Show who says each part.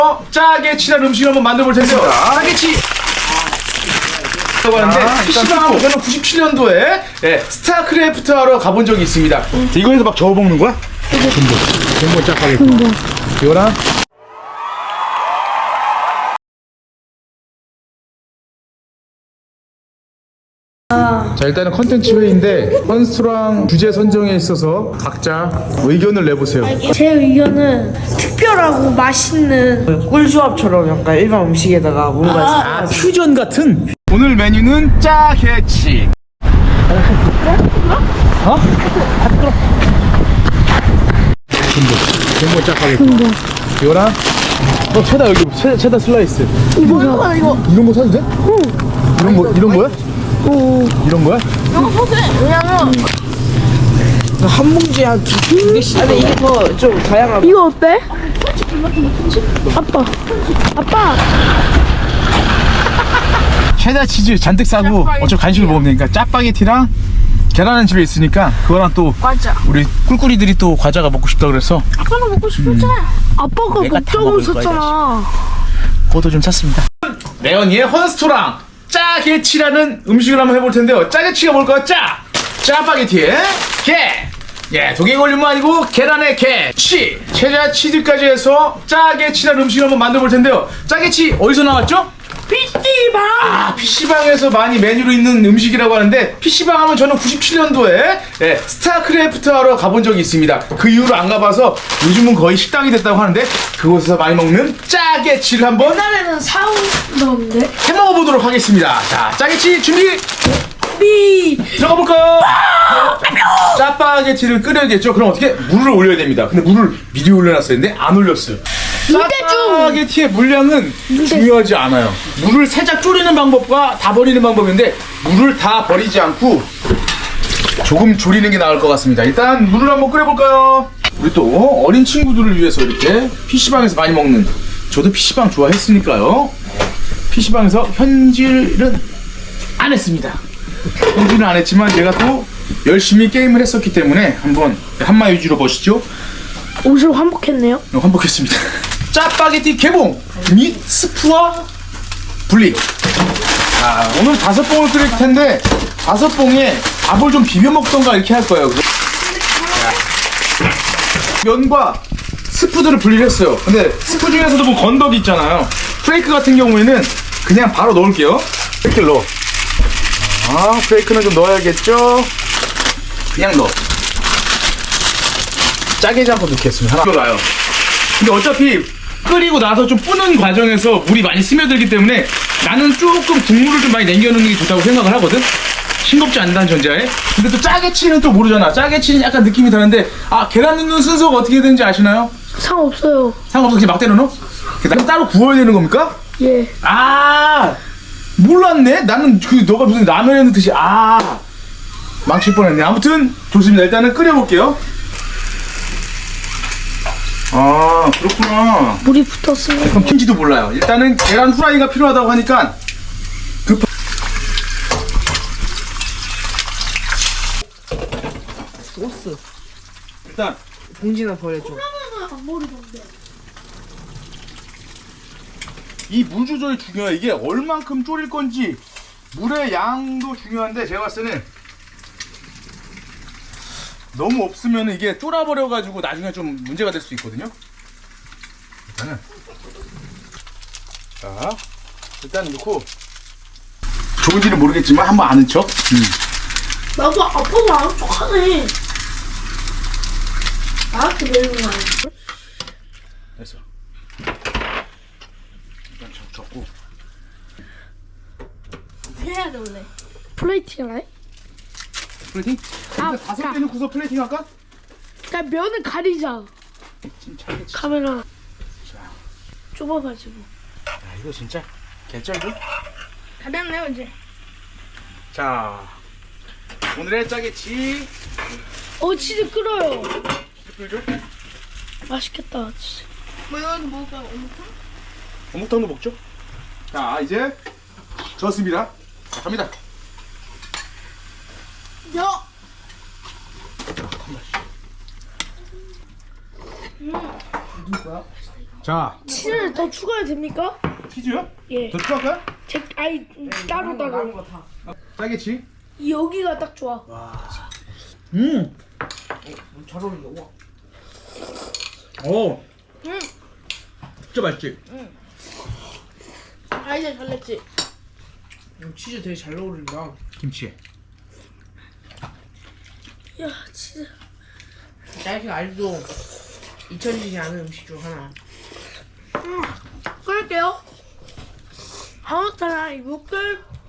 Speaker 1: 짜게 친한 음식을 한번 만들어 볼 텐데요. 짜게 치 라고 하는데 PC방하고 저는 97년도에 스타크래프트 하러 가본 적이 있습니다. 이거에서 막 저어 먹는 거야? 전복 짜파게티. 이거랑 자, 일단은 컨텐츠 회의인데 헌스토랑 주제 선정에 있어서 각자 의견을 내보세요.
Speaker 2: 제 의견은 특별하고 맛있는
Speaker 3: 꿀조합처럼 약간 일반 음식에다가 뭔가
Speaker 1: 퓨전 같은. 오늘 메뉴는 짜게치. 어? 전복 짜파게티. 이거랑 체다 여기 체다 슬라이스.
Speaker 2: 뭐야 이거?
Speaker 1: 이런 거 사도 돼? 이런 거야? 이런 거야?
Speaker 2: 왜냐면
Speaker 3: 한 봉지에 한 두 개씩. 근데 이게 더 좀 다양한.
Speaker 2: 이거 어때? 아빠
Speaker 1: 체다 치즈 잔뜩 싸고 어차피 간식을 먹으면 되니까 짜파게티랑 계란은 집에 있으니까 그거랑 또
Speaker 2: 과자.
Speaker 1: 우리 꿀꿀이들이 또 과자가 먹고 싶다 그래서
Speaker 2: 아빠는 먹고 싶었잖아. 아빠가
Speaker 1: 내가 다
Speaker 2: 먹자고
Speaker 1: 먹을 거야,
Speaker 2: 썼잖아.
Speaker 1: 그것도 좀 찼습니다. 레언이의 헌스토랑 짜게치라는 음식을 한번 해볼 텐데요. 짜게치가 뭘까요? 짜파게티에 게. 독일 걸림은 아니고 계란에 치. 체자 치즈까지 해서 짜게치라는 음식을 한번 만들어 볼 텐데요. 짜게치 어디서 나왔죠?
Speaker 2: PC방.
Speaker 1: PC방에서 많이 메뉴로 있는 음식이라고 하는데, PC방 하면 저는 97년도에 스타크래프트 하러 가본 적이 있습니다. 그 이후로 안 가봐서 요즘은 거의 식당이 됐다고 하는데, 그곳에서 많이 먹는 짜게치를 한번
Speaker 2: 옛날에는 사오던데.
Speaker 1: 해먹어보도록 하겠습니다. 자, 짜게치 준비! 들어가 볼까요? 짜파게티를 끓여야겠죠? 그럼 어떻게? 물을 올려야 됩니다. 근데 물을 미리 올려놨었는데 안 올렸어요. 짜파게티의 물량은 중요하지 않아요. 물을 살짝 졸이는 방법과 다 버리는 방법인데, 물을 다 버리지 않고 조금 졸이는 게 나을 것 같습니다. 일단 물을 한번 끓여볼까요? 우리 또 어린 친구들을 위해서 이렇게 PC방에서 많이 먹는, 저도 PC방 좋아했으니까요. PC방에서 현질은 안 했습니다. 현질은 안 했지만 제가 또 열심히 게임을 했었기 때문에 한번 한마 위주로 보시죠.
Speaker 2: 옷을 환복했네요.
Speaker 1: 환복했습니다. 짜파게티 개봉 및 스프와 분리. 자, 오늘 5봉을 끓일 텐데 5봉에 밥을 좀 비벼 먹던가 이렇게 할 거예요. 면과 스프들을 분리를 했어요. 근데 스프 중에서도 뭐 건더기 있잖아요. 프레이크 같은 경우에는 그냥 바로 넣을게요. 프레이크를 넣어. 프레이크는 좀 넣어야겠죠? 그냥 넣어. 짜게 잡고 넣겠습니다. 하나 들어가요. 근데 어차피 끓이고 나서 좀 뿌는 과정에서 물이 많이 스며들기 때문에 나는 조금 국물을 좀 많이 남겨놓는 게 좋다고 생각을 하거든? 싱겁지 않다는 전제하에. 근데 또 짜게치는 또 모르잖아. 짜게치는 약간 느낌이 다른데, 계란 넣는 순서가 어떻게 되는지 아시나요?
Speaker 2: 상관없어요.
Speaker 1: 상관없어. 그냥 막 때려 넣어? 나는 따로 구워야 되는 겁니까?
Speaker 2: 예.
Speaker 1: 몰랐네? 나는 너가 무슨 라면에 넣듯이, 망칠 뻔했네. 아무튼 좋습니다. 일단은 끓여볼게요. 그렇구나.
Speaker 2: 물이 붙었으니.
Speaker 1: 그럼 킨지도 몰라요. 일단은 계란 후라이가 필요하다고 하니까
Speaker 3: 소스.
Speaker 1: 일단
Speaker 3: 봉지나 버려줘.
Speaker 2: 안 버리던데.
Speaker 1: 이 물 조절이 중요해요. 이게 얼만큼 졸일 건지 물의 양도 중요한데, 제가 봤을 때는 너무 없으면 이게 쫄아버려가지고 나중에 좀 문제가 될 수 있거든요. 일단 넣고, 좋은지는 모르겠지만 한번 아는 척.
Speaker 2: 나도 아빠가 아는 척하네. 나한테 내는 거 아니야?
Speaker 1: 됐어. 일단 적고.
Speaker 2: 해야 돼 원래. 플레이팅 할래?
Speaker 1: 플레이팅? 다섯 개 넣고서 플레이팅 할까?
Speaker 2: 그냥 면을 가리자.
Speaker 1: 침착해.
Speaker 2: 카메라 좁아가지고.
Speaker 1: 야, 이거 진짜 개쩔죠?
Speaker 2: 가볍네요 이제.
Speaker 1: 자, 오늘의 짜게치.
Speaker 2: 치즈 끓어요.
Speaker 1: 끓죠?
Speaker 2: 맛있겠다 치즈. 뭐 이건 뭐가
Speaker 1: 어묵탕도 먹죠? 자, 이제 저었습니다. 자, 갑니다.
Speaker 2: 야.
Speaker 1: 누구야? 자,
Speaker 2: 치즈를 더 추가해도 됩니까?
Speaker 1: 치즈요?
Speaker 2: 예.
Speaker 1: 더 추가할까요?
Speaker 2: 아니 따로
Speaker 3: 남은
Speaker 2: 따로.
Speaker 3: 거 다.
Speaker 1: 짜겠지?
Speaker 2: 여기가 딱 좋아.
Speaker 3: 잘 어울린다. 와.
Speaker 1: 오, 진짜 맛있지?
Speaker 2: 아 이제 잘냈지.
Speaker 3: 치즈 되게 잘 어울린다.
Speaker 1: 김치에.
Speaker 2: 야 치즈.
Speaker 3: 딸기가 알도 잊혀지지 않은 음식 중 하나.
Speaker 2: 끓일게요. 아무튼 이 목을